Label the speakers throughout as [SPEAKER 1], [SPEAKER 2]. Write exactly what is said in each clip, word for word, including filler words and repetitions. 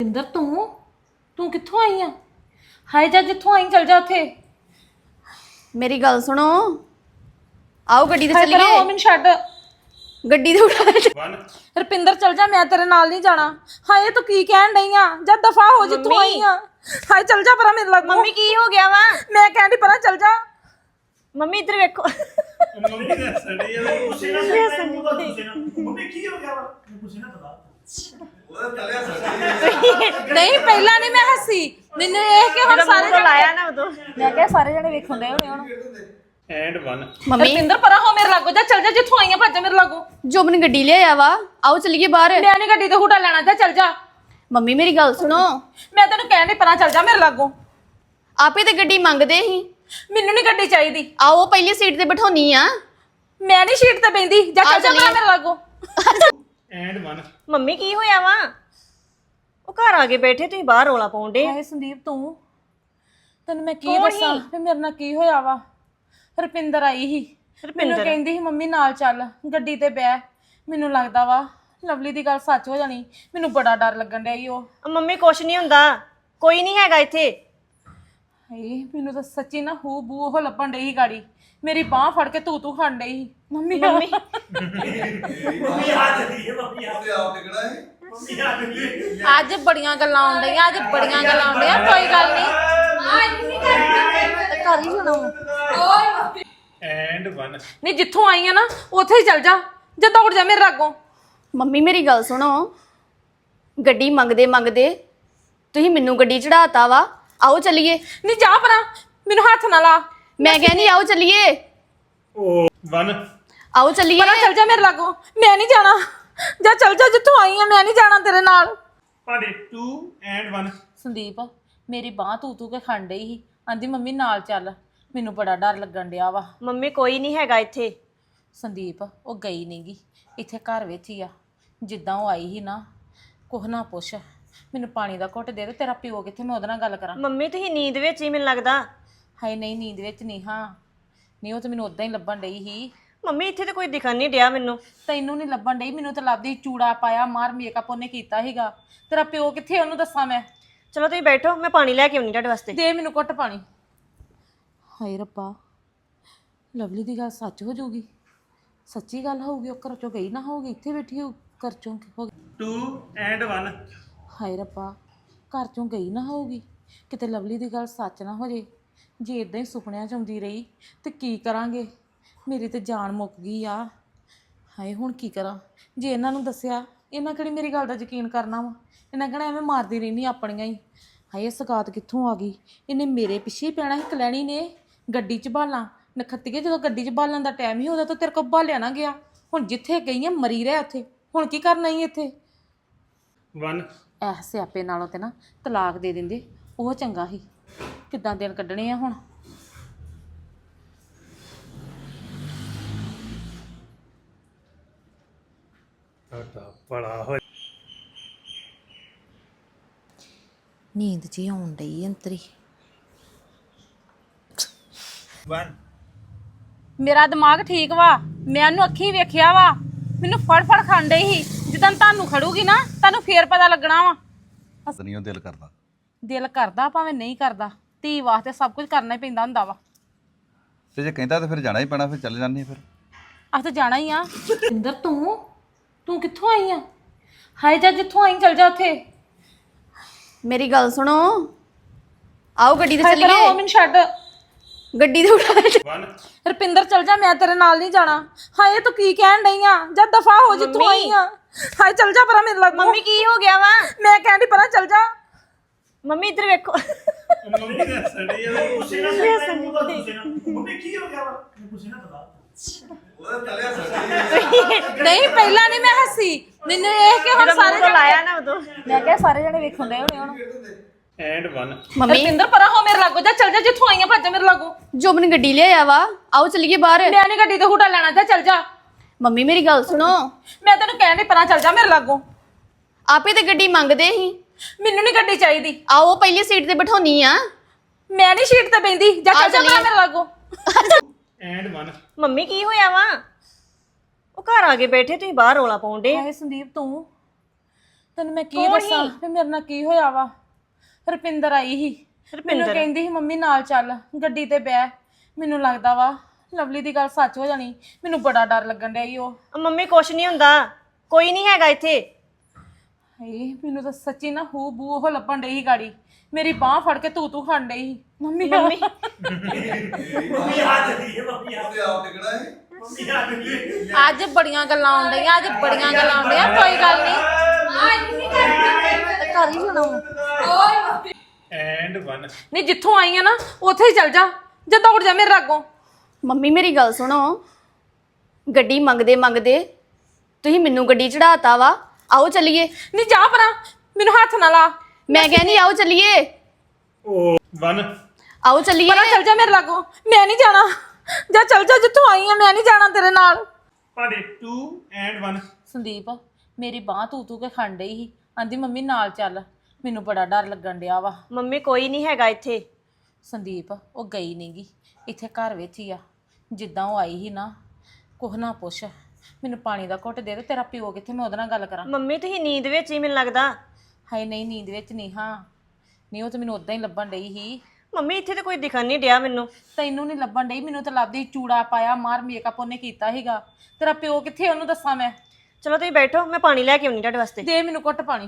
[SPEAKER 1] ਇੰਦਰ ਤੂੰ ਤੂੰ ਕਿੱਥੋਂ ਆਈ ਆ? ਹਾਏ ਜਾ ਜਿੱਥੋਂ ਆਈ ਚਲ ਜਾ ਉੱਥੇ।
[SPEAKER 2] ਮੇਰੀ ਗੱਲ ਸੁਣੋ, ਆਓ ਗੱਡੀ ਤੇ
[SPEAKER 1] ਹਾਏ ਪਰਾਂ ਹੋ
[SPEAKER 2] ਚੱਲੀਏ।
[SPEAKER 1] ਮੈਨੂੰ ਛੱਡ।
[SPEAKER 2] ਗੱਡੀ ਤੇ ਉਠਾ।
[SPEAKER 1] ਰੁਪਿੰਦਰ ਚਲ ਜਾ, ਮੈਂ ਤੇਰੇ ਨਾਲ ਨਹੀਂ ਜਾਣਾ। ਹਾਏ ਤੂੰ ਕੀ ਕਹਿਣ ਡਈ ਆ? ਜਾ ਦਫਾ ਹੋ ਜਿੱਥੋਂ ਆਈ ਆ। ਹਾਏ ਚਲ ਜਾ ਪਰਾਂ ਮੇਰੇ ਲੱਗ।
[SPEAKER 2] ਮੰਮੀ ਕੀ ਹੋ ਗਿਆ ਵਾ?
[SPEAKER 1] ਮੈਂ ਕਹਿੰਦੀ ਪਰਾਂ ਚਲ ਜਾ।
[SPEAKER 2] ਮੰਮੀ ਇੱਧਰ ਵੇਖੋ।
[SPEAKER 3] ਮੰਮੀ ਦੇ ਸੜੀ ਆ ਪੁੱਛੇ ਨਾ ਮੰਮੀ ਕੀ ਹੋ ਗਿਆ ਵਾ ਪੁੱਛੇ ਨਾ ਪਤਾ ਉਹ ਚੱਲਿਆ ਸੜੀ
[SPEAKER 1] ਨਹੀਂ ਪਹਿਲਾਂ ਨਹੀਂ ਮੈਂ ਹੱਸੀ, ਮੈਨੂੰ ਇਹ ਕਿ ਹੁਣ ਸਾਰੇ ਜਣੇ
[SPEAKER 2] ਲਾਇਆ ਨਾ ਉਦੋਂ।
[SPEAKER 1] ਮੈਂ ਕਿਹਾ ਸਾਰੇ ਜਣੇ ਵੇਖਣ ਦੇ ਹੋਣੇ ਹੁਣ।
[SPEAKER 3] ਐਂਡ ਵਨ
[SPEAKER 2] ਮੰਮੀ
[SPEAKER 1] ਰੁਪਿੰਦਰ ਪਰਾਂ ਹੋ ਮੇਰੇ ਲਾਗੋ। ਜਾ ਚਲ ਜਾ ਜਿੱਥੋਂ ਆਈ ਆ, ਭੱਜ ਮੇਰੇ ਲਾਗੋ।
[SPEAKER 2] ਜੋ ਆਪਣੀ ਗੱਡੀ ਲਿਆਇਆ ਵਾ, ਆਓ ਚੱਲੀਏ ਬਾਹਰ।
[SPEAKER 1] ਮੈਂ ਨਹੀਂ ਗੱਡੀ ਤੇ ਹੁਟਾ ਲੈਣਾ। ਜਾ ਚਲ ਜਾ।
[SPEAKER 2] ਮੰਮੀ ਮੇਰੀ ਗੱਲ ਸੁਣੋ,
[SPEAKER 1] ਮੈਂ ਤੈਨੂੰ ਕਹਿਣ ਡਈ ਪਰਾਂ ਚਲ ਜਾ ਮੇਰੇ ਲਾਗੋ।
[SPEAKER 2] ਆਪੇ ਤੇ ਗੱਡੀ ਮੰਗਦੇ ਸੀ।
[SPEAKER 1] ਮੈਨੂੰ ਨਹੀਂ ਗੱਡੀ ਚਾਹੀਦੀ।
[SPEAKER 2] ਆਓ ਪਹਿਲੀ ਸੀਟ ਤੇ ਬਿਠਾਉਣੀ ਆ।
[SPEAKER 1] ਮੈਂ ਨਹੀਂ ਸੀਟ ਤੇ ਬੈਂਦੀ। ਜਾ
[SPEAKER 2] ਆ
[SPEAKER 1] ਚੱਲ ਜਾ ਪਰਾਂ ਮੇਰੇ ਲਾਗੋ।
[SPEAKER 3] ਐਂਡ ਵਨ
[SPEAKER 4] ਮੰਮੀ ਕੀ ਹੋਇਆ ਵਾ? ਉਹ ਘਰ ਆ ਕੇ ਬੈਠੇ, ਤੁਸੀਂ ਬਾਹਰ ਰੋਲਾ ਪਾਉਂਦੇ।
[SPEAKER 1] ਹਾਏ ਸੰਦੀਪ ਤੂੰ, ਤੈਨੂੰ ਮੈਂ ਕੀ ਦੱਸਾਂ ਵੀ ਮੇਰੇ ਨਾਲ ਕੀ ਹੋਇਆ ਵਾ। ਰੁਪਿੰਦਰ ਆਈ ਸੀ, ਮੈਨੂੰ ਕਹਿੰਦੀ ਸੀ ਮੰਮੀ ਨਾਲ ਚੱਲ ਗੱਡੀ ਤੇ ਬਹਿ। ਮੈਨੂੰ ਲੱਗਦਾ ਵਾ ਲਵਲੀ ਦੀ ਗੱਲ ਸੱਚ ਹੋ ਜਾਣੀ। ਮੈਨੂੰ ਬੜਾ ਡਰ ਲੱਗਣ ਡਿਆ ਈ ਉਹ।
[SPEAKER 4] ਮੰਮੀ ਕੁਛ ਨਹੀਂ ਹੁੰਦਾ, ਕੋਈ ਨਹੀਂ ਹੈਗਾ ਇੱਥੇ।
[SPEAKER 1] ਹਾਏ ਮੈਨੂੰ ਤਾਂ ਸੱਚੀ ਨਾ ਹੂ ਬੂ ਉਹ ਲੱਭਣ ਡਈ ਸੀ ਗਾੜੀ। ਮੇਰੀ ਬਾਹ ਫੜ ਕੇ ਤੂੰ ਤੂੰ ਖਾਣ ਡਈ ਸੀ। ਮੰਮੀ
[SPEAKER 4] ਮੰਮੀ
[SPEAKER 3] ਮੰਮੀ ਆ ਜਦੀ ਹੈ ਮੰਮੀ ਆ ਤੇ ਆਪ ਟਿਕਣਾ ਹੈ ਮੰਮੀ ਆ ਜਦੀ
[SPEAKER 1] ਅੱਜ ਬੜੀਆਂ ਗੱਲਾਂ ਆਉਣ ਡਈਆਂ, ਅੱਜ ਬੜੀਆਂ ਗੱਲਾਂ ਆਉਂਦੀਆਂ। ਕੋਈ ਗੱਲ ਨਹੀਂ, ਕਰ ਹੀ ਜਾਣਾ।
[SPEAKER 3] ਐਂਡ ਵਨ
[SPEAKER 1] ਨਹੀਂ ਜਿੱਥੋਂ ਆਈ ਆ ਨਾ ਉੱਥੇ ਹੀ ਚੱਲ ਜਾ। ਜੇ ਦੌੜ ਜਾ ਮੇਰੇ ਲਾਗੋਂ।
[SPEAKER 2] ਮੰਮੀ ਮੇਰੀ ਗੱਲ ਸੁਣੋ, ਗੱਡੀ ਮੰਗਦੇ ਮੰਗਦੇ ਤੁਸੀਂ ਮੈਨੂੰ ਗੱਡੀ ਚੜਾਤਾ ਵਾ। ਆਓ ਚੱਲੀਏ।
[SPEAKER 1] ਨਹੀਂ ਜਾ ਪਰਾਂ, ਮੈਨੂੰ ਹੱਥ ਨਾ ਲਾ।
[SPEAKER 2] ਮੈਂ ਕਹਿੰਦੀ ਆਓ ਚੱਲੀਏ।
[SPEAKER 3] ਓ ਵਨ
[SPEAKER 2] ਆਓ ਚੱਲੀਏ।
[SPEAKER 1] ਪਰਾਂ ਚੱਲ ਜਾ ਮੇਰੇ ਲਾਗੋਂ। ਮੈਂ ਨਹੀਂ ਜਾਣਾ। ਜਾ ਚੱਲ ਜਾ ਜਿੱਥੋਂ ਆਈ ਆ। ਮੈਂ ਨਹੀਂ ਜਾਣਾ ਤੇਰੇ ਨਾਲ।
[SPEAKER 3] ਪਾੜੇ ਟੂ ਐਂਡ ਵਨ
[SPEAKER 1] ਸੰਦੀਪ ਮੇਰੀ ਬਾਹ ਤੂੰ ਤੂੰ ਕੇ ਖੰਡ ਡਈ ਸੀ। ਆਂਦੀ ਮੰਮੀ ਨਾਲ ਚੱਲ। ਮੈਨੂੰ ਬੜਾ ਡਰ ਲੱਗਣ ਡਿਆ ਵਾ।
[SPEAKER 4] ਮੰਮੀ ਕੋਈ ਨਹੀਂ ਹੈਗਾ ਇੱਥੇ।
[SPEAKER 1] ਸੰਦੀਪ ਉਹ ਗਈ ਨਹੀਂਗੀ, ਇੱਥੇ ਘਰ ਵਿੱਚ ਹੀ ਆ। ਜਿੱਦਾਂ ਉਹ ਆਈ ਸੀ ਨਾ, ਕੁਛ ਨਾ ਪੁੱਛ। ਮੈਨੂੰ ਪਾਣੀ ਦਾ ਘੁੱਟ ਦੇ ਦੇ। ਤੇਰਾ ਪਿਓ ਕਿੱਥੇ, ਮੈਂ ਉਹਦੇ ਨਾਲ ਗੱਲ ਕਰਾਂ।
[SPEAKER 4] ਮੰਮੀ ਤੁਸੀਂ ਨੀਂਦ ਵਿੱਚ ਹੀ ਮੈਨੂੰ ਲੱਗਦਾ।
[SPEAKER 1] ਹਾਏ ਨਹੀਂ ਨੀਂਦ ਵਿੱਚ ਨਹੀਂ। ਹਾਂ ਨਹੀਂ, ਉਹ ਤਾਂ ਮੈਨੂੰ ਉਦਾਂ ਹੀ ਲੱਭਣ ਡਈ ਸੀ।
[SPEAKER 4] ਮੰਮੀ ਇੱਥੇ ਤੇ ਕੋਈ ਦਿਖਣ ਨਹੀਂ ਡਿਆ ਮੈਨੂੰ।
[SPEAKER 1] ਤੈਨੂੰ ਨਹੀਂ ਲੱਭਣ ਡਈ, ਮੈਨੂੰ ਤਾਂ ਲੱਭਦੀ। ਚੂੜਾ ਪਾਇਆ, ਮਾਰ ਮੇਕਅਪ ਉਹਨੇ ਕੀਤਾ ਸੀਗਾ। ਤੇਰਾ ਪਿਓ ਕਿੱਥੇ, ਉਹਨੂੰ ਦੱਸਾਂ ਮੈਂ।
[SPEAKER 4] ਚਲੋ ਤੁਸੀਂ ਬੈਠੋ, ਮੈਂ ਪਾਣੀ ਲੈ ਕੇ ਆਉਣੀ ਤੁਹਾਡੇ ਵਾਸਤੇ।
[SPEAKER 1] ਦੇ ਮੈਨੂੰ ਘੁੱਟ ਪਾਣੀ। ਹਾਏ ਰੱਬਾ, ਲਵਲੀ ਦੀ ਗੱਲ ਸੱਚ ਹੋ ਜਾਊਗੀ। ਸੱਚੀ ਗੱਲ ਹੋਊਗੀ, ਉਹ ਘਰ ਚੋਂ ਗਈ ਨਾ ਹੋਊਗੀ, ਇੱਥੇ ਬੈਠੀ ਹੋ ਘਰ ਚੋਂ ਹੋ ਗਈ।
[SPEAKER 3] ਟੂ ਐਂਡ ਵਨ
[SPEAKER 1] ਹਾਏ ਰੱਬਾ, ਘਰ ਚੋਂ ਗਈ ਨਾ ਹੋਊਗੀ। ਕਿਤੇ ਲਵਲੀ ਦੀ ਗੱਲ ਸੱਚ ਨਾ ਹੋ ਜੇ। ਜੇ ਇਦਾਂ ਹੀ ਸੁਪਨਿਆਂ 'ਚ ਆਉਂਦੀ ਰਹੀ ਤੇ ਕੀ ਕਰਾਂਗੇ। ਮੇਰੀ ਤੇ ਜਾਨ ਮੁੱਕ ਗਈ ਆ। ਹਾਏ ਹੁਣ ਕੀ ਕਰਾਂ। ਜੇ ਇਹਨਾਂ ਨੂੰ ਦੱਸਿਆ, ਇਹਨਾਂ ਕਿਹੜੀ ਮੇਰੀ ਗੱਲ ਦਾ ਯਕੀਨ ਕਰਨਾ ਵਾ। ਇਹਨਾਂ ਕਹਿਣਾ ਐਵੇਂ ਮਾਰਦੀ ਰਹਿੰਦੀ ਆਪਣੀਆਂ ਹੀ। ਹਾਏ ਸਗਾਤ ਕਿੱਥੋਂ ਆ ਗਈ। ਇਹਨੇ ਮੇਰੇ ਪਿੱਛੇ ਹੀ ਪੈਣਾ ਸੀ। ਕਲੈਣੀ ਨੇ ਗੱਡੀ 'ਚ ਬਾਲਾਂ ਨਖੱਤੀਏ। ਜਦੋਂ ਗੱਡੀ 'ਚ ਬਾਲਣ ਦਾ ਟਾਈਮ ਹੀ ਉਹਦਾ ਤਾਂ ਤੇਰੇ ਕੋਲ ਬਾਲਿਆ ਨਾ ਗਿਆ। ਹੁਣ ਜਿੱਥੇ ਗਈ ਆ ਮਰੀ ਰਹਿ ਉੱਥੇ। ਹੁਣ ਕੀ ਕਰਨਾ ਹੀ ਇੱਥੇ।
[SPEAKER 3] ਵਨ
[SPEAKER 1] ਐ ਸਿਆਪੇ ਨਾਲੋਂ ਤੇ ਨਾ ਤਲਾਕ ਦੇ ਦਿੰਦੇ, ਉਹ ਚੰਗਾ ਸੀ। ਕਿੱਦਾਂ ਦਿਨ ਕੱਢਣੇ ਆ ਹੁਣ।
[SPEAKER 3] ਤੁਹਾਡਾ ਬੜਾ ਹੋ
[SPEAKER 1] ਨੀਂਦ ਜੀ ਆਉਣ ਡਈ ਅੰਤਰੀ।
[SPEAKER 3] ਵਨ
[SPEAKER 1] ਮੇਰਾ ਦਿਮਾਗ ਠੀਕ ਵਾ। ਮੈਂ ਉਹਨੂੰ ਅੱਖੀਂ ਵੇਖਿਆ ਵਾ। ਮੈਨੂੰ ਫੜ ਫੜ ਖਾਣ ਡਈ ਸੀ। ਜਦੋਂ ਤੁਹਾਨੂੰ ਖੜੂਗੀ ਨਾ, ਤੁਹਾਨੂੰ ਫੇਰ ਪਤਾ ਲੱਗਣਾ ਵਾ।
[SPEAKER 5] ਨਹੀਂ ਉਹ ਦਿਲ ਕਰਦਾ।
[SPEAKER 1] ਦਿਲ ਕਰਦਾ ਭਾਵੇਂ ਨਹੀਂ ਕਰਦਾ, ਧੀ ਵਾਸਤੇ ਸਭ ਕੁਝ ਕਰਨਾ ਹੀ ਪੈਂਦਾ ਹੁੰਦਾ ਵਾ।
[SPEAKER 5] ਤੇ ਜੇ ਕਹਿੰਦਾ ਤਾਂ ਫਿਰ ਜਾਣਾ ਹੀ ਪੈਣਾ, ਫਿਰ ਚੱਲ ਜਾਂਦੇ ਫਿਰ।
[SPEAKER 1] ਆਹ ਤਾਂ ਜਾਣਾ ਹੀ ਆ। ਇੰਦਰ ਤੂੰ ਤੂੰ ਕਿੱਥੋਂ ਆਈ ਆ? ਹਾਏ ਜਾ ਜਿੱਥੋਂ ਆਈ ਚਲ ਜਾ ਉੱਥੇ।
[SPEAKER 2] ਮੇਰੀ ਗੱਲ ਸੁਣੋ, ਆਓ ਗੱਡੀ ਤੇ
[SPEAKER 1] ਹਾਏ ਪਰਾਂ ਹੋ
[SPEAKER 2] ਚੱਲੀਏ।
[SPEAKER 1] ਮੈਨੂੰ ਛੱਡ।
[SPEAKER 2] ਗੱਡੀ ਤੇ ਉਠਾ।
[SPEAKER 3] ਵਨ
[SPEAKER 1] ਰੁਪਿੰਦਰ ਚਲ ਜਾ, ਮੈਂ ਤੇਰੇ ਨਾਲ ਨਹੀਂ ਜਾਣਾ। ਹਾਏ ਤੂੰ ਕੀ ਕਹਿਣ ਡਈ ਆ? ਜਾ ਦਫਾ ਹੋ ਜਿੱਥੋਂ ਆਈ ਆ। ਹਾਏ ਚਲ ਜਾ ਪਰਾਂ ਮੇਰੇ ਲੱਗ।
[SPEAKER 4] ਮੰਮੀ ਕੀ ਹੋ ਗਿਆ ਵਾ?
[SPEAKER 1] ਮੈਂ ਕਹਿੰਦੀ ਪਰਾਂ ਚਲ ਜਾ।
[SPEAKER 4] ਮੰਮੀ ਇੱਧਰ ਵੇਖੋ।
[SPEAKER 3] ਮੰਮੀ ਦੇ ਸੜੀ ਆ ਪੁੱਛੇ ਨਾ ਮੰਮੀ ਕੀ ਹੋ ਗਿਆ ਵਾ ਪੁੱਛੇ ਨਾ ਪਤਾ ਉਹ ਚੱਲਿਆ ਸੜੀ
[SPEAKER 1] ਨਹੀਂ ਪਹਿਲਾਂ ਨਹੀਂ ਮੈਂ ਹੱਸੀ, ਮੈਨੂੰ ਇਹ ਕਿ ਹੁਣ ਸਾਰੇ ਜਣੇ
[SPEAKER 4] ਲਾਇਆ ਨਾ ਉਦੋਂ।
[SPEAKER 1] ਮੈਂ ਕਿਹਾ ਸਾਰੇ ਜਣੇ ਵੇਖਣ ਦੇ ਹੋਣੇ ਹੁਣ।
[SPEAKER 3] ਐਂਡ ਵਨ
[SPEAKER 2] ਮੰਮੀ
[SPEAKER 1] ਰੁਪਿੰਦਰ ਪਰਾਂ ਹੋ ਮੇਰੇ ਲਾਗੋ। ਜਾ ਚਲ ਜਾ ਜਿੱਥੋਂ ਆਈ ਆ, ਭੱਜ ਮੇਰੇ ਲਾਗੋ।
[SPEAKER 2] ਜੋ ਆਪਣੀ ਗੱਡੀ ਲਿਆਇਆ ਵਾ, ਆਓ ਚੱਲੀਏ ਬਾਹਰ।
[SPEAKER 1] ਮੈਂ ਨਹੀਂ ਗੱਡੀ ਤੇ ਹੁਟਾ ਲੈਣਾ। ਜਾ ਚਲ ਜਾ।
[SPEAKER 2] ਮੰਮੀ ਮੇਰੀ ਗੱਲ ਸੁਣੋ,
[SPEAKER 1] ਮੈਂ ਤੈਨੂੰ ਕਹਿਣ ਡਈ ਪਰਾਂ ਚਲ ਜਾ ਮੇਰੇ ਲਾਗੋ।
[SPEAKER 2] ਆਪੇ ਤੇ ਗੱਡੀ ਮੰਗਦੇ ਸੀ।
[SPEAKER 1] ਮੈਨੂੰ ਨਹੀਂ ਗੱਡੀ ਚਾਹੀਦੀ।
[SPEAKER 2] ਆਓ ਪਹਿਲੀ ਸੀਟ ਤੇ ਬਿਠਾਉਣੀ ਆ।
[SPEAKER 1] ਮੈਂ ਨਹੀਂ ਸੀਟ ਤੇ ਬੈਂਦੀ। ਜਾ
[SPEAKER 2] ਆ
[SPEAKER 1] ਚਲ ਜਾ
[SPEAKER 2] ਚੱਲੀਏ।
[SPEAKER 1] ਪਰਾਂ ਮੇਰੇ ਲਾਗੋ।
[SPEAKER 3] ਐਂਡ ਵਨ
[SPEAKER 4] ਮੰਮੀ ਕੀ ਹੋਇਆ ਵਾ? ਉਹ ਘਰ ਆ ਕੇ ਬੈਠੇ, ਤੁਸੀਂ ਬਾਹਰ ਰੋਲਾ ਪਾਉਂਦੇ।
[SPEAKER 1] ਹਾਏ ਸੰਦੀਪ ਤੂੰ ਤੈਨੂੰ ਮੈਂ ਕੀ
[SPEAKER 4] ਕੌਣ
[SPEAKER 1] ਦੱਸਾਂ
[SPEAKER 4] ਸੀ?
[SPEAKER 1] ਵੀ ਮੇਰੇ ਨਾਲ ਕੀ ਹੋਇਆ ਵਾ। ਰੁਪਿੰਦਰ ਆਈ ਸੀ, ਮੈਨੂੰ
[SPEAKER 4] ਰੁਪਿੰਦਰ?
[SPEAKER 1] ਕਹਿੰਦੀ ਸੀ ਮੰਮੀ ਨਾਲ ਚੱਲ ਗੱਡੀ ਤੇ ਬਹਿ। ਮੈਨੂੰ ਲੱਗਦਾ ਵਾ ਲਵਲੀ ਦੀ ਗੱਲ ਸੱਚ ਹੋ ਜਾਣੀ। ਮੈਨੂੰ ਬੜਾ ਡਰ ਲੱਗਣ ਡਿਆ ਈ ਉਹ।
[SPEAKER 4] ਆ ਮੰਮੀ ਕੁਛ ਨਹੀਂ ਹੁੰਦਾ, ਕੋਈ ਨਹੀਂ ਹੈਗਾ ਇੱਥੇ।
[SPEAKER 1] ਹਾਏ ਮੈਨੂੰ ਤਾਂ ਸੱਚੀ ਨਾ ਹੂ ਬੂ ਉਹ ਲੱਭਣ ਡਈ ਸੀ ਗਾੜੀ। ਮੇਰੀ ਬਾਹ ਫੜ ਕੇ ਤੂੰ ਤੂੰ ਖਾਣ ਡਈ ਸੀ। ਮੰਮੀ
[SPEAKER 4] ਮੰਮੀ
[SPEAKER 3] ਮੰਮੀ ਆ ਜਾਂਦੀ ਹੈ ਮੰਮੀ ਆ
[SPEAKER 5] ਆਪ ਟਿਕਣਾ ਹੈ
[SPEAKER 3] ਮੰਮੀ ਆ ਜਾਂਦੀ ਹੈ
[SPEAKER 1] ਅੱਜ ਬੜੀਆਂ ਗੱਲਾਂ ਆਉਣ ਡਈਆਂ, ਅੱਜ ਬੜੀਆਂ ਗੱਲਾਂ ਆਉਂਦੀਆਂ। ਕੋਈ ਗੱਲ ਨਹੀਂ, ਘਰ ਹੀ ਜਾਣਾ।
[SPEAKER 3] ਐਂਡ ਵਨ
[SPEAKER 1] ਨਹੀਂ ਜਿੱਥੋਂ ਆਈ ਆ ਨਾ ਉੱਥੇ ਹੀ ਚੱਲ ਜਾ, ਜਾਂ ਦੌੜ ਜਾ ਮੇਰੇ ਲਾਗੋਂ।
[SPEAKER 2] ਮੰਮੀ ਮੇਰੀ ਗੱਲ ਸੁਣੋ, ਗੱਡੀ ਮੰਗਦੇ ਮੰਗਦੇ ਤੁਸੀਂ ਮੈਨੂੰ ਗੱਡੀ ਚੜਾਤਾ ਵਾ। ਆਓ ਚੱਲੀਏ।
[SPEAKER 1] ਨਹੀਂ ਜਾ ਪਰਾਂ, ਮੈਨੂੰ ਹੱਥ ਨਾ ਲਾ।
[SPEAKER 2] ਮੈਂ ਕਹਿੰਦੀ ਆਓ ਚੱਲੀਏ,
[SPEAKER 3] ਓ ਵਨ
[SPEAKER 2] ਆਓ ਚੱਲੀਏ।
[SPEAKER 1] ਪਰਾਂ ਚੱਲ ਜਾ ਮੇਰੇ ਲਾਗੋਂ, ਮੈਂ ਨਹੀਂ ਜਾਣਾ। ਜਾ ਚੱਲ ਜਾ ਜਿੱਥੋਂ ਆਈ ਆ, ਮੈਂ ਨਹੀਂ ਜਾਣਾ ਤੇਰੇ ਨਾਲ।
[SPEAKER 3] ਤੁਹਾਡੇ ਟੂ ਐਂਡ ਵਨ
[SPEAKER 1] ਸੰਦੀਪ ਮੇਰੀ ਬਾਹ ਤੂੰ ਤੂੰ ਕੇ ਖੰਡ ਡਈ ਸੀ, ਆਂਦੀ ਮੰਮੀ ਨਾਲ ਚੱਲ। ਮੈਨੂੰ ਬੜਾ ਡਰ ਲੱਗਣ ਡਿਆ ਵਾ।
[SPEAKER 4] ਮੰਮੀ ਕੋਈ ਨਹੀਂ ਹੈਗਾ ਇੱਥੇ।
[SPEAKER 1] ਸੰਦੀਪ ਉਹ ਗਈ ਨਹੀਂਗੀ, ਇੱਥੇ ਘਰ ਵਿੱਚ ਹੀ ਆ। ਜਿੱਦਾਂ ਉਹ ਆਈ ਸੀ ਨਾ, ਕੁਛ ਨਾ ਪੁੱਛ। ਮੈਨੂੰ ਪਾਣੀ ਦਾ ਘੁੱਟ ਦੇ ਦੇ। ਤੇਰਾ ਪਿਓ ਕਿੱਥੇ, ਮੈਂ ਉਹਦੇ ਨਾਲ ਗੱਲ ਕਰਾਂ।
[SPEAKER 4] ਮੰਮੀ ਤੁਸੀਂ ਨੀਂਦ ਵਿੱਚ ਹੀ ਮੈਨੂੰ ਲੱਗਦਾ।
[SPEAKER 1] ਹਾਏ ਨਹੀਂ, ਨੀਂਦ ਵਿੱਚ ਨਹੀਂ। ਹਾਂ ਨਹੀਂ, ਉਹ ਤਾਂ ਮੈਨੂੰ ਉਦਾਂ ਹੀ ਲੱਭਣ ਡਈ ਸੀ।
[SPEAKER 4] ਮੰਮੀ ਇੱਥੇ ਤੇ ਕੋਈ ਦਿਖਣ ਨਹੀਂ ਡਿਆ ਮੈਨੂੰ।
[SPEAKER 1] ਤੈਨੂੰ ਨਹੀਂ ਲੱਭਣ ਡਈ, ਮੈਨੂੰ ਤਾਂ ਲੱਭਦੀ। ਚੂੜਾ ਪਾਇਆ, ਮਾਰ ਮੇਕਅਪ ਉਹਨੇ ਕੀਤਾ ਸੀਗਾ। ਤੇਰਾ ਪਿਓ ਕਿੱਥੇ, ਉਹਨੂੰ ਦੱਸਾਂ ਮੈਂ।
[SPEAKER 4] ਚਲੋ ਤੁਸੀਂ ਬੈਠੋ, ਮੈਂ ਪਾਣੀ ਲੈ ਕੇ ਆਉਣੀ ਤੁਹਾਡੇ ਵਾਸਤੇ।
[SPEAKER 1] ਦੇ ਮੈਨੂੰ ਘੁੱਟ ਪਾਣੀ।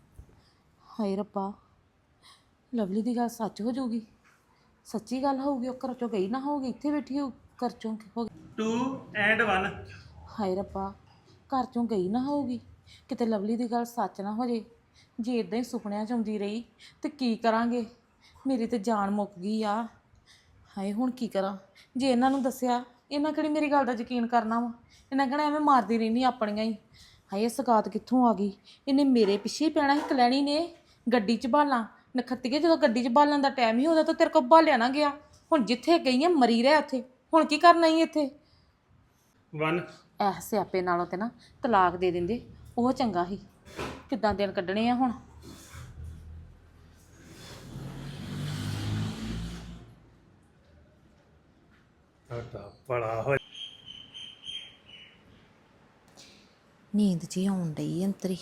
[SPEAKER 1] ਹਾਏ ਰੱਬਾ, ਲਵਲੀ ਦੀ ਗੱਲ ਸੱਚ ਹੋ ਜਾਊਗੀ। ਸੱਚੀ ਗੱਲ ਹੋਊਗੀ, ਉਹ ਘਰ ਚੋਂ ਗਈ ਨਾ ਹੋਊਗੀ, ਇੱਥੇ ਬੈਠੀ ਹੋ ਘਰ ਚੋਂ ਹੋ ਗਈ।
[SPEAKER 3] ਟੂ ਐਂਡ ਵਨ
[SPEAKER 1] ਹਾਏ ਰੱਬਾ, ਘਰ ਚੋਂ ਗਈ ਨਾ ਹੋਊਗੀ, ਕਿਤੇ ਲਵਲੀ ਦੀ ਗੱਲ ਸੱਚ ਨਾ ਹੋ ਜੇ। ਜੇ ਇਦਾਂ ਹੀ ਸੁਪਨਿਆਂ 'ਚ ਆਉਂਦੀ ਰਹੀ ਤੇ ਕੀ ਕਰਾਂਗੇ। ਮੇਰੀ ਤੇ ਜਾਨ ਮੁੱਕ ਗਈ ਆ। ਹਾਏ ਹੁਣ ਕੀ ਕਰਾਂ। ਜੇ ਇਹਨਾਂ ਨੂੰ ਦੱਸਿਆ, ਇਹਨਾਂ ਕਿਹੜੀ ਮੇਰੀ ਗੱਲ ਦਾ ਯਕੀਨ ਕਰਨਾ ਵਾ। ਇਹਨਾਂ ਕਹਿਣਾ ਐਵੇਂ ਮਾਰਦੀ ਰਹਿੰਦੀ ਆਪਣੀਆਂ ਹੀ। ਹਾਏ ਸਗਾਤ ਕਿੱਥੋਂ ਆ ਗਈ। ਇਹਨੇ ਮੇਰੇ ਪਿੱਛੇ ਹੀ ਪੈਣਾ ਸੀ। ਕਲੈਣੀ ਨੇ ਗੱਡੀ 'ਚ ਬਾਲਾਂ ਨਖੱਤੀਏ, ਜਦੋਂ ਗੱਡੀ 'ਚ ਬਾਲਣ ਦਾ ਟਾਈਮ ਹੀ ਉਹਦਾ ਤਾਂ ਤੇਰੇ ਕੋਲ ਬਾਲਿਆ ਨਾ ਗਿਆ। ਹੁਣ ਜਿੱਥੇ ਗਈ ਆ ਮਰੀ ਰਹਿ ਉੱਥੇ। ਹੁਣ ਕੀ ਕਰਨਾ ਹੀ ਇੱਥੇ।
[SPEAKER 3] ਵਨ
[SPEAKER 1] ਐ ਸਿਆਪੇ ਨਾਲੋਂ ਤੇ ਨਾ ਤਲਾਕ ਦੇ ਦਿੰਦੇ, ਉਹ ਚੰਗਾ ਸੀ। ਕਿੱਦਾਂ ਦਿਨ ਕੱਢਣੇ ਆ ਹੁਣ।
[SPEAKER 3] ਤੁਹਾਡਾ ਬੜਾ ਹੋ
[SPEAKER 1] ਨੀਂਦ 'ਚ ਹੀ ਆਉਣ ਡਈ ਅੰਤਰੀ।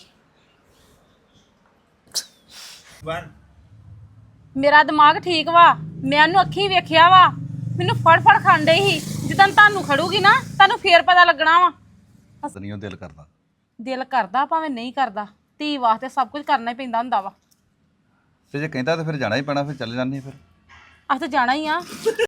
[SPEAKER 3] ਵਨ
[SPEAKER 1] ਮੇਰਾ ਦਿਮਾਗ ਠੀਕ ਵਾ, ਮੈਂ ਉਹਨੂੰ ਅੱਖੀਂ ਵੇਖਿਆ ਵਾ। ਮੈਨੂੰ ਫੜ ਫੜ ਖਾਣ ਡਈ ਸੀ। ਜਿੱਦਾਂ ਤੁਹਾਨੂੰ ਖੜੂਗੀ ਨਾ, ਤੁਹਾਨੂੰ ਫੇਰ ਪਤਾ ਲੱਗਣਾ ਵਾ।
[SPEAKER 5] ਨਹੀਂ ਉਹ ਦਿਲ ਕਰਦਾ।
[SPEAKER 1] ਦਿਲ ਕਰਦਾ ਭਾਵੇਂ ਨਹੀਂ ਕਰਦਾ, ਧੀ ਵਾਸਤੇ ਸਭ ਕੁਝ ਕਰਨਾ ਹੀ ਪੈਂਦਾ ਹੁੰਦਾ ਵਾ।
[SPEAKER 5] ਤੇ ਜੇ ਕਹਿੰਦਾ ਤਾਂ ਫਿਰ ਜਾਣਾ ਹੀ ਪੈਣਾ, ਫਿਰ ਚੱਲ ਜਾਂਦੀ ਫਿਰ।
[SPEAKER 1] ਅਸੀਂ ਤਾਂ ਜਾਣਾ ਹੀ ਆ।